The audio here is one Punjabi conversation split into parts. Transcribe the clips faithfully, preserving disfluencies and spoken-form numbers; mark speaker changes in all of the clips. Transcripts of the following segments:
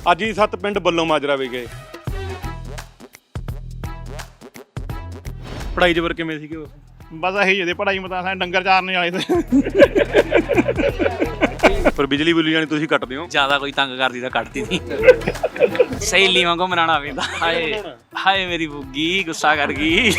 Speaker 1: ਅੱਜ ਹੀ ਸੱਤ ਪਿੰਡ ਬੱਲੋਂ ਮਾਜਰਾ ਵੀ ਗਏ। ਪੜ੍ਹਾਈ ਜਬਰ ਕਿਵੇਂ ਸੀਗੇ ਉਸ?
Speaker 2: ਬਸ ਇਹੀ ਜਿਹੀ ਪੜ੍ਹਾਈ ਮਤਾਂ ਸਾਰੇ ਡੰਗਰ ਚਾਰਨੇ ਵਾਲੇ ਤੇ
Speaker 1: ਪਰ ਬਿਜਲੀ ਬੁਲੀ ਜਾਣੀ ਤੁਸੀਂ ਕੱਟਦੇ ਹੋ?
Speaker 3: ਜ਼ਿਆਦਾ ਕੋਈ ਤੰਗ ਕਰਦੀ ਤਾਂ ਕੱਟਦੀ ਨਹੀਂ। ਸਹੇਲੀ ਵਾਂਗੂ ਮਨਾਉਣਾ ਪੈਂਦਾ। ਹਾਏ ਹਾਏ ਮੇਰੀ ਬੁੱਗੀ ਗੁੱਸਾ ਕਰ ਗਈ।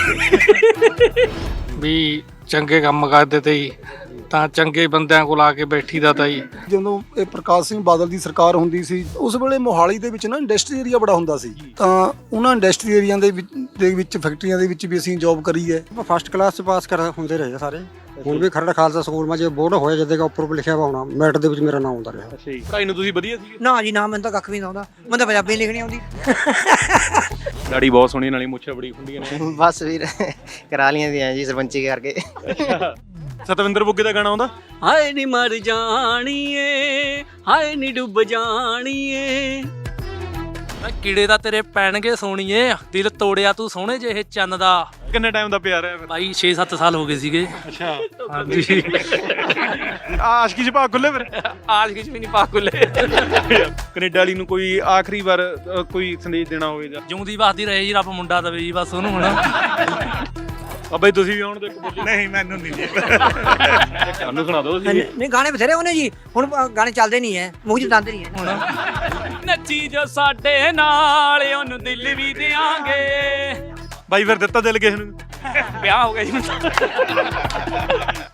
Speaker 4: ਵੀ ਚੰਗੇ ਕੰਮ ਕਰਦੇ ਤੇ ਜੀ ਤਾਂ ਚੰਗੇ ਬੰਦਿਆਂ ਕੋਲ ਆ ਕੇ ਬੈਠੀ ਦਾ ਤਾਂ ਜੀ।
Speaker 5: ਜਦੋਂ ਇਹ ਪ੍ਰਕਾਸ਼ ਸਿੰਘ ਬਾਦਲ ਦੀ ਸਰਕਾਰ ਹੁੰਦੀ ਸੀ ਉਸ ਵੇਲੇ ਮੋਹਾਲੀ ਦੇ ਵਿੱਚ ਨਾ ਇੰਡਸਟਰੀ ਏਰੀਆ ਬੜਾ ਹੁੰਦਾ ਸੀ, ਤਾਂ ਉਹਨਾਂ ਇੰਡਸਟਰੀ ਏਰੀਆ ਦੇ ਵਿੱਚ ਦੇ ਵਿੱਚ ਫੈਕਟਰੀਆਂ ਦੇ ਵਿੱਚ ਵੀ ਅਸੀਂ ਜੌਬ ਕਰੀ ਹੈ।
Speaker 6: ਫਸਟ ਕਲਾਸ ਚ ਪਾਸ ਕਰ ਹੁੰਦੇ ਰਹੇ ਸਾਰੇ। ਹੁਣ ਵੀ ਖਰੜ ਖਾਲਸਾ ਸਕੂਲ ਮਾ ਜੇ ਬੋਰਡ ਹੋਇਆ ਜਦੇ ਦਾ ਉੱਪਰ ਲਿਖਿਆ ਵਾ ਹੋਣਾ ਮੈਟ ਦੇ ਵਿੱਚ ਮੇਰਾ ਨਾਮ ਆਉਂਦਾ ਰਿਹਾ।
Speaker 1: ਅੱਛਾ ਜੀ, ਪੜ੍ਹਾਈ ਨੂੰ ਤੁਸੀਂ ਵਧੀਆ ਸੀ?
Speaker 7: ਨਾ ਜੀ ਨਾ, ਮੈਨੂੰ ਤਾਂ ਕੱਖ ਵੀ ਨਹੀਂ ਆਉਂਦਾ, ਮੈਨੂੰ ਤਾਂ ਪੰਜਾਬੀ ਲਿਖਣੀ ਆਉਂਦੀ।
Speaker 1: ਦਾੜੀ ਬਹੁਤ ਸੋਹਣੀ ਨਾਲੀ ਮੁੱਛਾਂ ਬੜੀ ਖੁੰਡੀਆਂ ਨੇ।
Speaker 8: ਬਸ ਵੀਰ ਕਰਾ ਲੀਆਂ ਦੀਆਂ ਜੀ ਸਰਪੰਚੀ ਕਰਕੇ।
Speaker 1: ਸਤਵਿੰਦਰ ਬੁੱਗੇ ਦਾ ਗਾਣਾ ਆਉਂਦਾ?
Speaker 3: ਹਾਏ ਨੀ ਮਰ ਜਾਣੀਏ, ਹਾਏ ਨੀ ਡੁੱਬ ਜਾਣੀਏ। ਕੀੜੇ ਤਾਂ ਤੇਰੇ ਪੈਣਗੇ ਸੋਣੀਏ, ਦਿਲ ਤੋੜਿਆ ਤੂੰ ਸੋਹਣੇ ਜਿਹੇ ਚੰਨ ਦਾ।
Speaker 1: ਕਿੰਨੇ ਟਾਈਮ ਦਾ ਪਿਆਰ ਹੈ?
Speaker 3: ਭਾਈ ਛੇ ਸੱਤ ਸਾਲ ਹੋ ਗਏ ਸੀਗੇ।
Speaker 1: ਅੱਛਾ,
Speaker 3: ਹਾਂਜੀ।
Speaker 1: ਆਸ਼ਕੀ ਚ ਭਾਗ ਖੁੱਲੇ ਫਿਰ?
Speaker 3: ਆਸ਼ਕੀ ਚ ਵੀ ਨਹੀਂ ਪਾ ਖੁੱਲੇ।
Speaker 1: ਕੈਨੇਡਾ ਵਾਲੀ ਨੂੰ ਕੋਈ ਆਖਰੀ ਵਾਰ ਅ, ਕੋਈ ਸੰਦੇਸ਼ ਦੇਣਾ ਹੋਵੇ ਜਾਂ?
Speaker 3: ਜਿਉਂਦੀ ਵਸਦੀ ਰਹੇ ਜੀ, ਰੱਬ ਮੁੰਡਾ ਦਵੇ ਜੀ ਬਸ ਉਹਨੂੰ। ਹੁਣ
Speaker 1: ਬਾਬਾ ਜੀ ਤੁਸੀਂ ਵੀ ਆਉਣ ਦੇ ਇੱਕ ਬੋਲੀ।
Speaker 2: ਨਹੀਂ ਮੈਨੂੰ ਨਹੀਂ ਜੀ।
Speaker 1: ਸਾਨੂੰ ਸੁਣਾ ਦਿਓ ਤੁਸੀਂ।
Speaker 7: ਨਹੀਂ ਗਾਣੇ ਬਥੇਰੇ ਉਹਨੇ ਜੀ, ਹੁਣ ਗਾਣੇ ਚੱਲਦੇ ਨਹੀਂ ਹੈ, ਮੂੰਹ ਚ ਦੰਦ ਨਹੀਂ ਹੈ।
Speaker 3: ਹੁਣ ਨੱਚੀ ਜੋ ਸਾਡੇ ਨਾਲ ਉਹਨੂੰ ਦਿਲ ਵੀ ਦਿਆਂਗੇ।
Speaker 1: ਬਾਈ ਫਿਰ ਦਿੱਤਾ ਦਿਲ ਕਿਸੇ ਨੂੰ?
Speaker 3: ਵਿਆਹ ਹੋ ਗਿਆ ਜੀ।